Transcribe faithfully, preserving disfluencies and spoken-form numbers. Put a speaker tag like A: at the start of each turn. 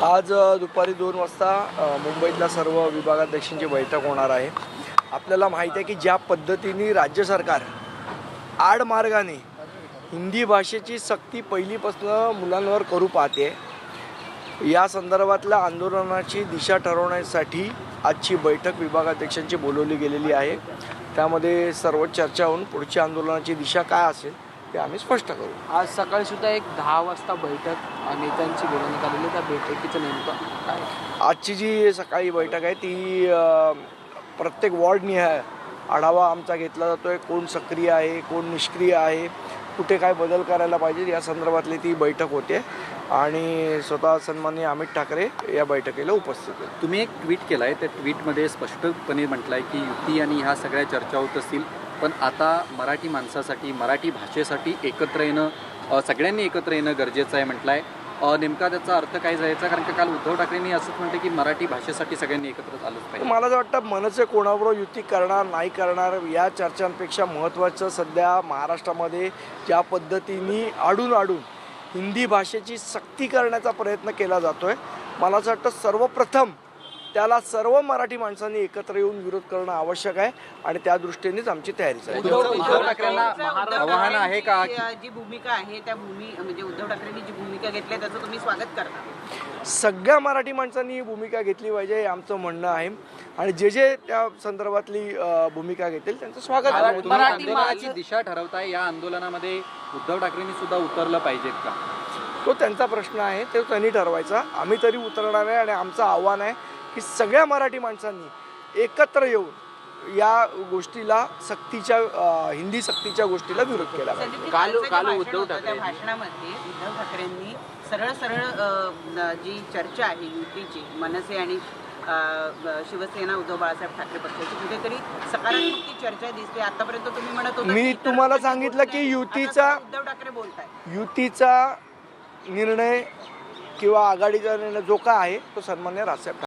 A: आज दुपारी दोन वाजता मुंबईतल्या सर्व विभागाध्यक्षांची बैठक होणार आहे। आपल्याला माहिती आहे की ज्या पद्धतीने राज्य सरकार आडमार्गाने हिंदी भाषेची सक्ती पहिलीपासून मुलांवर करू पाहते, या संदर्भातल्या आंदोलनाची दिशा ठरवण्यासाठी आजची बैठक विभागाध्यक्षांची बोलवली गेलेली आहे। त्यामध्ये सर्व चर्चा होऊन पुढची आंदोलनाची दिशा काय असेल ते आम्ही स्पष्ट करू।
B: आज सकाळी सुद्धा एक दहा वाजता बैठक नेत्यांची बोलवण्यात आलेली, त्या बैठकीचं नेमकं काय?
A: आजची जी सकाळी बैठक आहे ती प्रत्येक वॉर्डनिहाय आढावा आमचा घेतला जातो आहे। कोण सक्रिय आहे, कोण निष्क्रिय आहे, कुठे काय बदल करायला पाहिजे या संदर्भातली ती बैठक होते आणि स्वतः सन्माननीय अमित ठाकरे या बैठकीला उपस्थित आहेत।
C: तुम्ही एक ट्विट केलं आहे, त्या ट्विटमध्ये स्पष्टपणे म्हटलं आहे की युती आणि ह्या सगळ्या चर्चा होत असतील, पण आता मराठी माणसासाठी, मराठी भाषेसाठी एकत्र येणं, सगळ्यांनी एकत्र येणं गरजेचं आहे म्हटलं आहे। नेमका त्याचा अर्थ काय जायचा? कारण की काल उद्धव ठाकरेंनी असंच म्हटलं की मराठी भाषेसाठी सगळ्यांनी एकत्र आलंच पाहिजे।
A: मला असं वाटतं मनसे कोणाबरोबर युती करणार नाही करणार या चर्चांपेक्षा महत्त्वाचं सध्या महाराष्ट्रामध्ये ज्या पद्धतीने आडून आडून हिंदी भाषेची सक्ती करण्याचा प्रयत्न केला जातो आहे, मला असं वाटतं सर्वप्रथम त्याला सर्व मराठी माणसांनी एकत्र येऊन विरोध करणं आवश्यक आहे आणि त्या दृष्टीनेच आमची तयारी चालू आहे।
C: उद्धव ठाकरेंना आव्हान आहे का?
D: जी भूमिका आहे त्या भूमी म्हणजे उद्धव ठाकरेंनी जी भूमिका घेतली आहे त्याचं तुम्ही स्वागत करता?
A: सगळ्या मराठी माणसांनी ही भूमिका घेतली पाहिजे हे आमचं म्हणणं आहे आणि जे जे त्या संदर्भातली भूमिका घेतील त्यांचं स्वागत आहे।
C: आंदोलनाची दिशा ठरवताय, या आंदोलनामध्ये उद्धव ठाकरेंनी सुद्धा उतरलं पाहिजेत का?
A: तो त्यांचा प्रश्न आहे, ते त्यांनी ठरवायचा। आम्ही तरी उतरणार आहे आणि आमचं आव्हान आहे की सगळ्या मराठी माणसांनी एकत्र येऊन या गोष्टीला सक्तीच्या हिंदी सक्तीच्या गोष्टीला विरोध केला पाहिजे।
D: काल काल उद्धव ठाकरे भाषणामध्ये उद्धव ठाकरेंनी सरळ सरळ जी चर्चा आहे युतीची, मनसे आणि शिवसेना उद्धव बाळासाहेब ठाकरे पक्षाची कुठेतरी सकारात्मक ती चर्चा दिसते। आतापर्यंत तुम्ही म्हणत होता,
A: मी तुम्हाला सांगितलं की युतीचा
D: उद्धव ठाकरे बोलताय
A: युतीचा निर्णय किंवा आघाडीचा निर्णय जो काय आहे तो सन्मान्य राजसाहेब